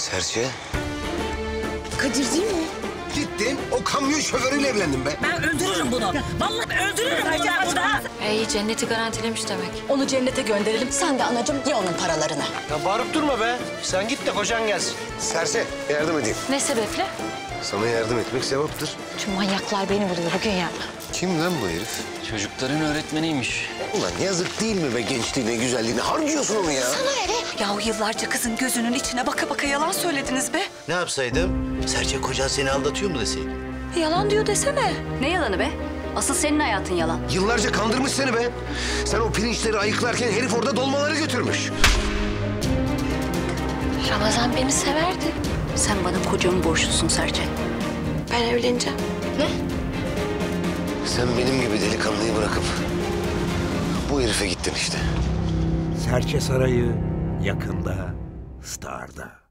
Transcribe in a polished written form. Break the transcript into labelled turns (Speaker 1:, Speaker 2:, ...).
Speaker 1: Serçe.
Speaker 2: Kadir değil mi?
Speaker 1: Gittin, o kamyon şoförüyle evlendin be.
Speaker 3: Ben öldürürüm bunu. Vallahi öldürürüm bunu ben burada.
Speaker 4: İyi, cenneti garantilemiş demek.
Speaker 2: Onu cennete gönderelim. Sen de anacığım ye onun paralarını.
Speaker 5: Ya bağırıp durma be. Sen git de kocan gelsin.
Speaker 1: Serçe, yardım edeyim.
Speaker 4: Ne sebeple?
Speaker 1: Sana yardım etmek sevaptır.
Speaker 4: Şu manyaklar beni buluyor bugün ya.
Speaker 1: Kim lan bu herif?
Speaker 6: Çocukların öğretmeniymiş.
Speaker 1: Ulan yazık değil mi be gençliğine, güzelliğine? Harcıyorsun onu ya.
Speaker 3: Yahu yıllarca kızın gözünün içine baka baka yalan söylediniz be.
Speaker 5: Ne yapsaydım? Serçe kocan seni aldatıyor mu deseydim?
Speaker 3: Yalan diyor desene.
Speaker 4: Ne yalanı be? Asıl senin hayatın yalan.
Speaker 1: Yıllarca kandırmış seni be. Sen o pirinçleri ayıklarken herif orada dolmaları götürmüş.
Speaker 4: Ramazan beni severdi. Sen bana kocamı borçlusun Serçe.
Speaker 2: Ben evleneceğim.
Speaker 1: Sen benim gibi delikanlıyı bırakıp bu herife gittin işte.
Speaker 7: Serçe Sarayı yakında Star'da.